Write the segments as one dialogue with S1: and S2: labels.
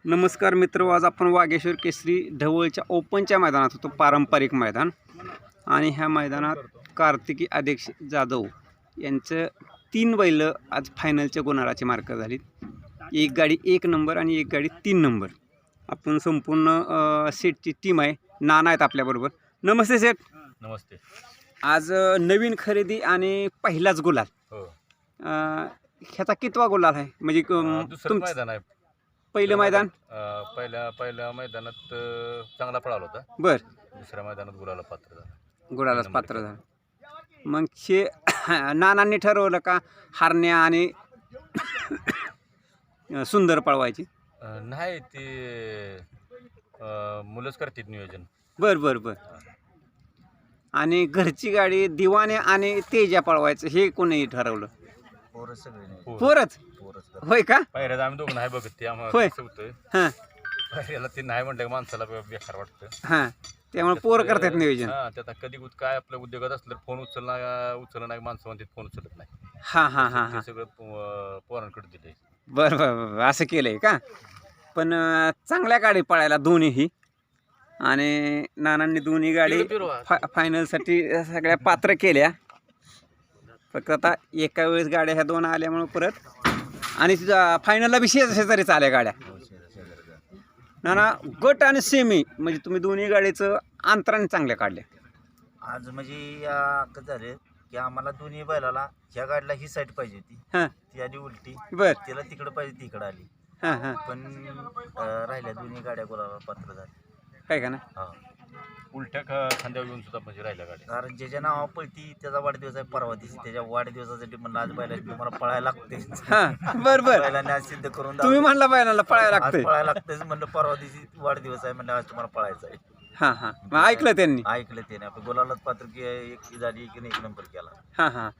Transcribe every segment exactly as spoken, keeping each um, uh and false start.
S1: नमस्कार मित्र, आज आपण वागेश्वर केसरी ढवळच्या ओपनच्या मैदानात होतो, पारंपरिक मैदान. आणि ह्या मैदानात कार्तिकी अध्यक्ष जाधव यांचं तीन बैल आज फायनलच्या गुणाराची मार्क झाली. एक गाडी एक नंबर आणि एक गाडी तीन नंबर. आपण संपूर्ण सेटची टीम आहे. नाना आहेत आपल्याबरोबर. नमस्ते सेट.
S2: नमस्ते.
S1: आज नवीन खरेदी आणि पहिलाच गुलाल.
S2: हो.
S1: ह्याचा कितवा गुलाल आहे म्हणजे
S2: दुसरं मैदान आहे.
S1: पहिलं मैदान
S2: पहिल्या पहिल्या मैदानात चांगला पळाला होता.
S1: बर.
S2: दुसऱ्या मैदानात गुलाला पात्र झाला.
S1: गुलालाच पात्र झालं. मग शे नानांनी ठरवलं का हारण्या आणि सुंदर पळवायची?
S2: नाही, ते मुलंच करतात नियोजन.
S1: बर बर बर. आणि घरची गाडी दिवाने आणि तेजा पळवायचं हे कोणी ठरवलं? पोरच होय का?
S2: पायऱ्यात आम्ही दोघं नाही बघत, ते आम्हाला
S1: होय.
S2: कसं होतं
S1: हां
S2: पायऱ्याला ते नाही म्हटलं की माणसाला बेकार वाटतं.
S1: हां, त्यामुळे पोर करतात नियोजन.
S2: हां, त्यात कधी काय आपल्या उद्योगात असलं फोन उचलला उचलला नाही, माणसं म्हणतात फोन उचलत नाही.
S1: हां हां हां हां.
S2: ते सगळं पो- पोरांकडे दिले.
S1: बरं बरं बरं, असं केलंय का? पण अं, चांगल्या गाडी पळायला दोन्हीही. आणि नानांनी दोन्ही गाडी फा फायनलसाठी सगळ्या पात्र केल्या. फक्त आता एका वेळेस गाड्या ह्या दोन आल्यामुळं परत आणि फायनलला बी शेज शेजारी चालल्या गाड्या. नाना, गट आणि सेमी म्हणजे तुम्ही दोन्ही गाडीचं अंतराने चांगल्या काढल्या.
S3: आज म्हणजे कसं झालं की आम्हाला दोन्ही बैलाला ह्या गाडीला ही साईड पाहिजे होती.
S1: हां
S3: ती आली उलटी,
S1: बर.
S3: तिला तिकडं पाहिजे ती इकडं आली.
S1: हां हां,
S3: पण अं, राहिल्या दोन्ही गाड्या गुलाला पात्र झाल्या.
S1: काय का ना?
S3: हा,
S2: उलट्या ख- खांद्यावर घेऊन सुद्धा म्हणजे राहिल्या गाड्या.
S3: कारण ज्याच्या नावा पळती त्याचा वाढदिवस आहे परवा दिवशी. त्याच्या वाढदिवसासाठी म्हणलं आज बैला तुम्हाला पळायला लागते.
S1: हां बर बर.
S3: बैलाने आज सिद्ध करून
S1: तुम्ही
S3: दाखवलं.
S1: म्हणला बैलाला पळायला
S3: आज
S1: लागतंय.
S3: पळायला लागतेच म्हणलं, परवा दिवशी वाढदिवस आहे म्हणलं, आज तुम्हाला पळायचं आहे.
S1: हां हां, मग ऐकलं त्यांनी.
S3: ऐकलं त्याने आपलं गुलालाच पात्र की एक झाली की एक नंबर केला.
S1: हां हां.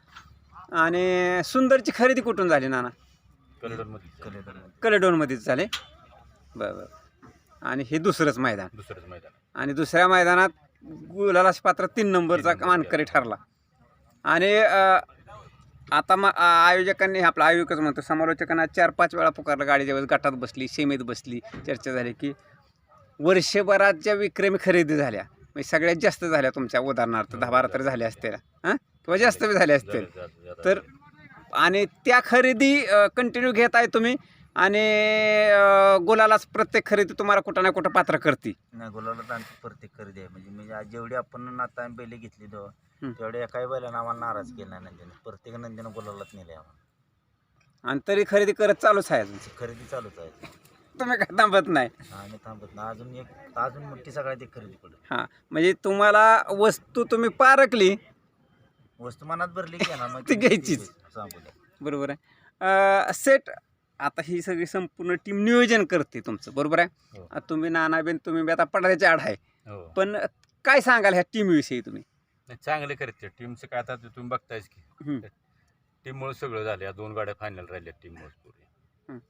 S1: आणि सुंदरची खरेदी कुठून झाली नाना?
S2: कलिडोनमध्ये
S3: कलेकडे
S1: कलेडोनमध्येच झाले. बरं बरं. आणि हे दुसरंच मैदान.
S2: दुसरंच मैदान.
S1: आणि दुसऱ्या मैदानात गुलाला पात्र तीन नंबरचा
S2: तीन नंबर
S1: मानकरी ठरला. आणि अ, आता मग आयोजकांनी, आपला आयोजकच म्हणतो, समालोचकांना चार पाच वेळा पुकारलं. गाडी ज्यावेळेस गटात बसली, सीमेत बसली, चर्चा झाली की वर्षभरात ज्या विक्रमी खरेदी झाल्या म्हणजे सगळ्यात जास्त झाल्या तुमच्या, उदाहरणार्थ दहा बारा तरी झाल्या असतील हां, किंवा जास्त बी झाल्या असतील. तर आणि त्या खरेदी कंटिन्यू घेत आहे तुम्ही. आणि अं, गुलालाच प्रत्येक खरेदी तुम्हाला कुठं ना कुठं पात्र करते.
S3: नाही, गुलाला तर आमची प्रत्येक खरेदी आहे. म्हणजे म्हणजे आज जेवढी आपण आता आम्ही बैल घेतली
S1: हं.
S3: तेव्हा तेवढ्या एकाही बैलानं आम्हाला नाराज केला नाही नंदीनं. प्रत्येक नंदीनं गुलालाच नेले आम्हाला.
S1: आणि तरी खरेदी करत चालूच आहे अजून.
S3: खरेदी चालूच आहे.
S1: तुम्ही काय थांबत नाही.
S3: आम्ही थांबत नाही. अजून एक अजून मोठी सगळ्यात एक खरेदी पडली.
S1: हां, म्हणजे तुम्हाला वस्तू तुम्ही पारखली
S3: वस्तू मनात भरली की ना मग
S1: ती घ्यायचीच.
S3: सांगू द्या.
S1: बरोबर आहे. सेट, आता ही सगळी संपूर्ण टीम नियोजन करते तुमचं, बरोबर आहे.
S2: हो.
S1: आता तुम्ही नानाबेन तुम्ही बी आता पडायचे आड आहे.
S2: हो.
S1: पण काय सांगाल ह्या टीमविषयी तुम्ही?
S2: नाही, चांगले करते टीमचं. काय आता ते तुम्ही बघतायच की
S1: हं.
S2: टीममुळे सगळं झालं. या दोन गाड्या फायनल राहिल्या टीममुळे पूर्ण.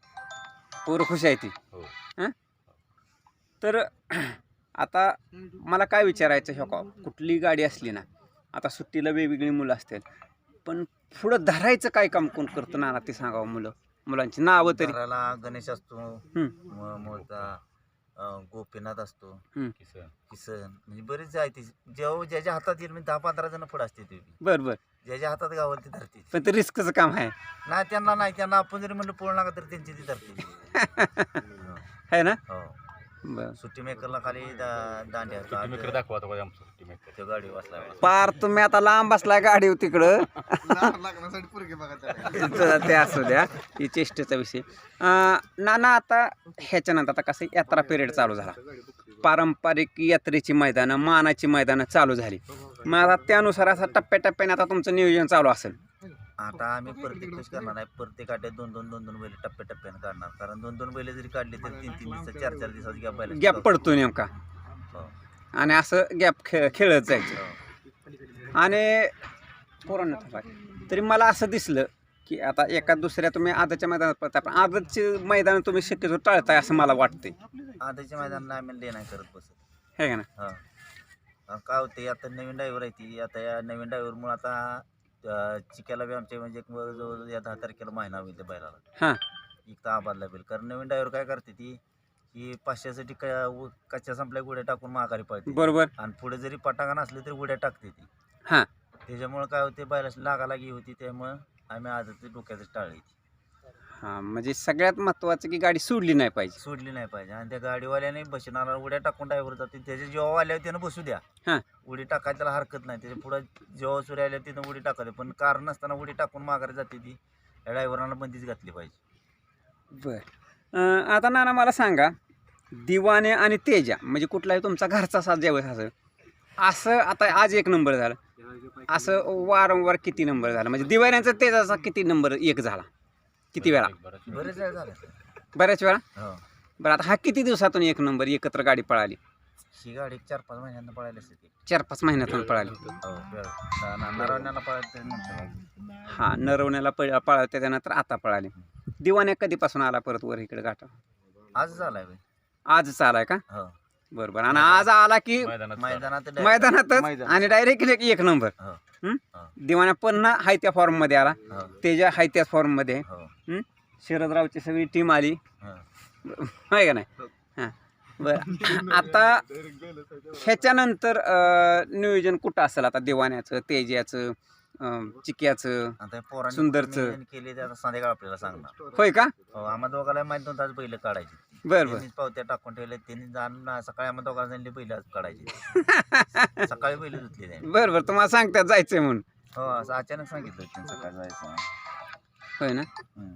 S1: पोरं खुश आहे ती.
S2: हो.
S1: तर आता मला काय विचारायचं हे का, कुठली गाडी असली ना, आता सुट्टीला वेगवेगळी मुलं असतील, पण पुढं धरायचं काय काम कोण करतं नाना ते सांगावं. मुलं मुलांची नावं तरी.
S3: घराला गणेश असतो,
S1: हं.
S3: म- मोठा अं, गोपीनाथ असतो,
S1: हं.
S2: किसन.
S3: किसन, म्हणजे बरेच आहे. ती जेव्हा ज्याच्या हातात येईल म्हणजे दहा पंधरा जण पुढे असते ते.
S1: बरं बरं.
S3: ज्याच्या हातात गावल ती धरते.
S1: पण ते रिस्कचं काम आहे.
S3: नाही त्यांना नाही, त्यांना आपण जरी म्हणलं पोळ नका तर त्यांची ती धरते.
S1: है ना?
S3: हो.
S1: बरं.
S3: सुट्टी मेकरला खाली दा- दांड्या
S2: सुट्टी मेकर दाखवा आता बघा आमचं सुट्टी मेकर.
S3: त्या गाडी बसला.
S1: पार तुम्ही आता लांब बसलाय गाडी तिकडं. ते असू द्या, ही चेष्टेचा विषय. अं, नाना, आता ह्याच्यानंतर आता कसं यात्रा पिरियड चालू झाला, पारंपरिक यात्रेची मैदानं, मानाची मैदानं चालू झाली. मग आता त्यानुसार असं टप्प्याटप्प्याने आता तुमचं नियोजन चालू असेल.
S3: आता आम्ही प्रत्येक दिवस करणार नाही. प्रत्येक आठ्यात दोन दोन दोन दोन बैल टप्प्याटप्प्याने काढणार. कारण दोन दोन बैल जरी काढली तर तीन तीन दिवसात चार चार दिवसात गॅप बैल
S1: गॅप पडतो नेमका. आणि असं गॅप खेळ खेळत जायचं. आणि पोरांना थांबा. तरी मला असं दिसलं की आता एका दुसऱ्या तुम्ही आदच्या मैदानात पळता, पण आदतचे मैदान तुम्ही शक्यतो टाळताय असं मला वाटतंय.
S3: आताच्या मैदानाला आम्ही ले नाही करत बसत.
S1: हे का ना?
S3: हां, काय होते आता नवीन ड्रायव्हर आहे ती. आता या नवीन ड्रायव्हरमुळे आता चिक्याला बी आमच्या म्हणजे जवळजवळ या दहा तारखेला महिना होईल त्या बैलाला.
S1: हां,
S3: एक तर आबादला बैल. कारण नवीन ड्रायव्हर काय करते ती की पाचशेसाठी क उ- कच्च्या संपल्या उड्या टाकून माघारी पळते
S1: बरोबर.
S3: आणि पुढे जरी पटाका नसले तरी उड्या टाकते ती.
S1: हां.
S3: त्याच्यामुळे काय होते बैलाची लागालागी होती, त्यामुळं आम्ही आज ते डोक्याचं टाळली,
S1: हां, म्हणजे सगळ्यात महत्त्वाचं की गाडी सोडली नाही पाहिजे.
S3: सोडली नाही पाहिजे. आणि त्या गाडीवाल्याने बसणारा उड्या टाकून ड्रायव्हर जाते, त्याच्या जेव्हा आल्यावर त्यानं बसू द्या,
S1: हां.
S3: उडी टाकायला त्याला हरकत नाही. त्याच्या पुढे जेव्हा सूर्य आल्या तिथं उडी टाकायला, पण कारण नसताना उडी टाकून माघारी जाते ती, या ड्रायव्हरांना बंदीच घातली पाहिजे.
S1: बर आता नाना मला सांगा, दिवाने आणि तेजा म्हणजे कुठलाही तुमचा घरचा साथ ज्यावेळेस असं असं आता आज एक नंबर झाला, असं वारंवार किती नंबर झाला, म्हणजे दिवाण्यांचा तेजाचा किती नंबर एक झाला, किती वेळा?
S3: बरेच वेळ झाले.
S1: बऱ्याच वेळा.
S3: हो,
S1: बरं आता हा किती दिवसातून एक नंबर एकत्र गाडी पळाली?
S3: ही गाडी चार पाच महिन्यांना पळायला असते ती.
S1: चार पाच महिन्यातून पळाली.
S3: हो, नरवण्याला पळायला नंतर
S1: हा, नरवण्याला पळ पळाली त्याच्यानंतर आता पळाली. दिवाण्या कधीपासून आला परत वर इकडे घाटा?
S3: आज झालाय बे.
S1: आजच आलाय का?
S3: हो,
S1: बरोबर. आणि आज आला की
S2: मैदानात
S3: मैदानात direct-
S1: मैदानातच आणि डायरेक्ट एक नंबर.
S3: हो,
S1: हं?
S3: हो.
S1: दिवाण्या पुन्हा हाय त्या फॉर्म मध्ये आला,
S3: हो,
S1: तेजा हाय त्याच फॉर्म मध्ये.
S3: हो,
S1: हं? शरदरावची सगळी टीम आली,
S3: हो.
S1: आहे का नाही? हां, बरं. आता ह्याच्यानंतर अं, नियोजन कुठं असेल आता दिवाण्याचं, तेजाचं, अं, चिक्याचं?
S3: आता पोरांनी
S1: सुंदरचं.
S3: नियोजन केले ते आता संध्याकाळ आपल्याला सांगणार.
S1: होय का?
S3: हो, आम्हा दोघाला माहित नव्हतं आज बैल काढायची.
S1: बरं बरं.
S3: त्यांनीच पावत्या टाकून ठेवले, त्यांनी जाणून सकाळी आम्हा दोघांना सांगितले बैल आज काढायची. सकाळी बैल धुतले त्यांनी.
S1: बरं बरं, तुम्हाला सांगतात जायचंय म्हणून?
S3: हो, असं अचानक सांगितलं त्यांनी सकाळी जायचं.
S1: होय ना?
S3: हम्म.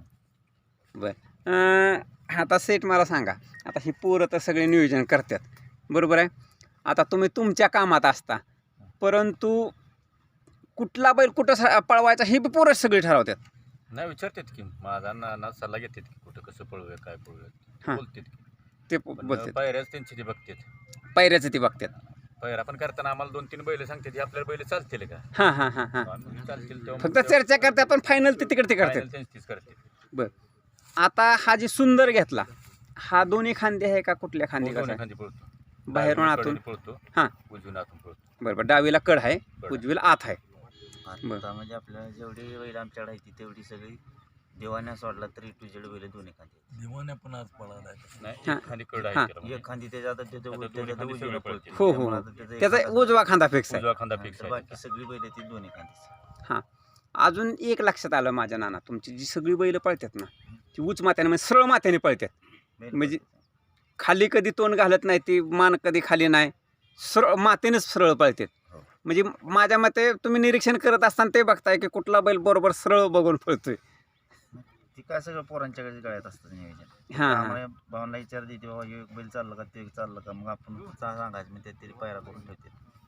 S1: बरं. अं, आता सेट मला सांगा, आता ही पोरं तर सगळे नियोजन करतात, बरोबर आहे? आता तुम्ही तुमच्या कामात असता, परंतु कुठला बैल कुठं स- पळवायचा हे बी पोरं सगळे ठरवतात.
S2: नाही विचारतात की माझा ना ना सल्ला घेतात की कुठं कसं पळूया काय पळूया,
S1: हां.
S2: बोलतात की.
S1: ते
S2: पण
S1: बोलतात,
S2: पायऱ्याच त्यांची ती बघतात.
S1: पायऱ्याचं ते बघतात.
S2: पायऱ्या पण करताना आम्हाला दोन तीन बैल सांगतात की आपल्याला बैल चालतील का,
S1: हां हां हां हां.
S2: आम्ही चालतील तेव्हा
S1: फक्त चर्चा करतात, पण फायनल ते तिकडे ते करतात.
S2: final त्यांचीच करतात.
S1: बरं. आता हा जी सुंदर घेतला, हा दोन्ही खांदे आहे का कुठल्या खांदे
S2: दोन्ही
S1: कसा?
S2: खांदी पळतो,
S1: बाहेरून
S2: डावीला
S1: आतून?
S2: कडेने पळतो,
S1: हां.
S2: उजवीन आतून पळतो.
S1: बरोबर. डावीला कड आहे, उजवीला आत आहे. बरं.
S3: आता म्हणजे आपल्याला जेवढी बैल आमच्याकडे आहे ती तेवढी सगळी देवाने सोडला तरी तुझ्याकडे बैल दोन्ही खांदे.
S4: दिवाने पण आज पळाला
S2: नाही
S1: हां.
S2: एक खांदी कड
S1: हां.
S2: आहे त्याला.
S3: एक खांदी त्याच्या आता त्याच्या
S2: आता दोन्ही
S3: त्याच्या
S2: खांदी
S3: उजवीला
S2: सगळे
S3: पळते.
S2: पळतील.
S1: हो, हो,
S3: त्यामुळे
S1: हो.
S3: आता त्याचा एक
S1: त्याचा
S3: हाताचा-
S1: उजवा खांदा फिक्स आहे.
S2: उजवा खांदा
S3: हां,
S2: फिक्स
S3: तर
S2: आहे.
S3: बाकी सगळी बैल ती दोन्ही खांदी.
S1: हां. अजून एक लक्षात आलं माझ्या नाना, तुमची जी सगळी बैल पळतात ना, ती उच मात्याने म्हणजे सरळ मात्याने पळतात. म्हणजे खाली कधी तोंड घालत नाही, ती मान कधी खाली नाही, सरळ मातेनेच सरळ पळतात.
S3: हो.
S1: म्हणजे माझ्या मते तुम्ही निरीक्षण करत असताना ते बघताय की कुठला बैल बरोबर सरळ बघून पळतोय.
S3: ती काय सगळं पोरांच्याकडे गळ्यात असतं नियोजन.
S1: हां हां.
S3: आम्हाला भावना विचार देते बाबा हे एक बैल चाललं का ते एक चाललं का, मग आपण चा- सांगायचं म्हणजे तरी पायरा करून ठेवते.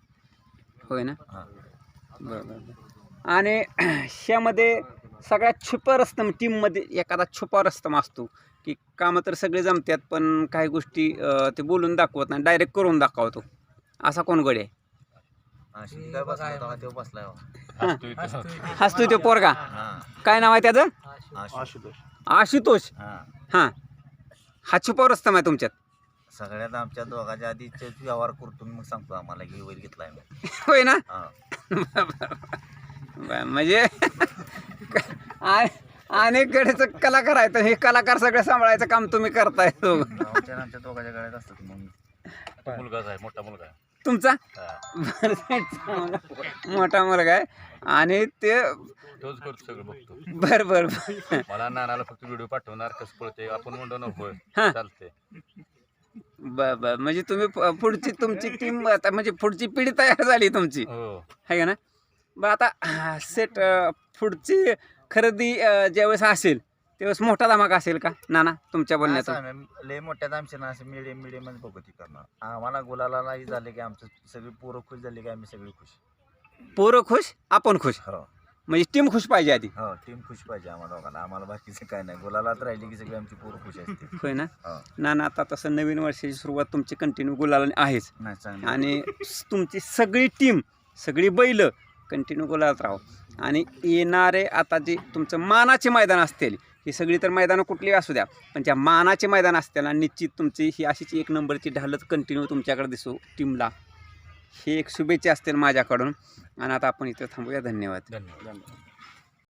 S1: होय ना?
S3: हां,
S1: बरं बरं बरं. आणि ह्यामध्ये सगळ्यात छुपा रस्तम टीममध्ये एखादा छुपा रस्तम असतो की कामं तर सगळे जमतात, पण काही गोष्टी अं, ते बोलून दाखवत नाही, डायरेक्ट करून दाखवतो. असा कोण गडी आहे?
S3: अशी काय बसला होता का, तेव्हा बसलाय बाबा.
S2: हसतोय तो.
S1: हसतोय तो पोरगा,
S3: हां,
S1: काय नाव आहे त्याचं?
S3: आशुतोष.
S1: आशुतोष.
S3: हां,
S1: हां, हा छुपा रस्तम आहे तुमच्यात?
S3: सगळ्यात आमच्या दोघांच्या आधी चे- व्यवहार करतून मग सांगतो आम्हाला की बैल घेतलाय मी.
S1: होय ना?
S3: हां,
S1: बरं, म्हणजे अनेककडेचं कलाकार आहे, तर हे कलाकार सगळं सांभाळायचं काम तुम्ही करताय दोघं.
S3: आमच्या आमच्या दोघांच्या गळ्यात असतात मग.
S2: तो मुलगाच आहे, मोठा मुलगा आहे.
S1: तुमचा
S2: हां.
S1: बरं, चांगला मोठा मुलगा आहे आणि ते
S2: तोच करतो सगळं बघतो.
S1: बरं बरं बरं.
S2: मला नानाला फक्त व्हिडिओ पाठवणार कसं पळते आपण म्हणतो ना होय
S1: हां.
S2: चालते.
S1: बरं बरं, म्हणजे तुम्ही प- पुढची तुमची टीम आता म्हणजे पुढची पिढी तयार झाली तुमची,
S2: हो
S1: आहे का ना? बरं आता सेट पुढची खरेदी अं, ज्यावेळेस असेल त्यावेळेस मोठा धमाका असेल का नाना तुमच्या बोलण्यातून?
S3: असं आम्ही लय मोठ्या आमच्या ना असं मिडियम मिडियमच बघू ती करणार. आम्हाला गुलाला नाही झाले की आमचं सगळी पोरं खुश झाली की आम्ही सगळी खुश.
S1: पोरं खुश, आपण खुश,
S3: हो,
S1: म्हणजे टीम खुश पाहिजे आधी.
S3: हो, टीम खुश पाहिजे आम्हाला दोघांना. आम्हाला बाकीचं काय नाही, गुलालात राहिली की सगळी आमची पोरं खुश असते.
S1: होय ना?
S3: हो,
S1: नाना आता तसं नवीन वर्षाची सुरुवात तुमची कंटिन्यू गुलाला आहेच,
S3: नाही चांगली.
S1: आणि तुमची सगळी टीम सगळी बैल कंटिन्यू गुलालात राहो. आणि येणारे आता जे तुमचं मानाचे मैदान असतील, ही सगळी तर मैदानं कुठली असू द्या, पण ज्या मानाचे मैदान असतील आणि निश्चित तुमची ही अशीच एक नंबरची ढालच कंटिन्यू तुमच्याकडे दिसू टीमला, हे एक शुभेच्छा असतील माझ्याकडून. आणि आता आपण इथं थांबूया. धन्यवाद.
S2: धन्यवाद.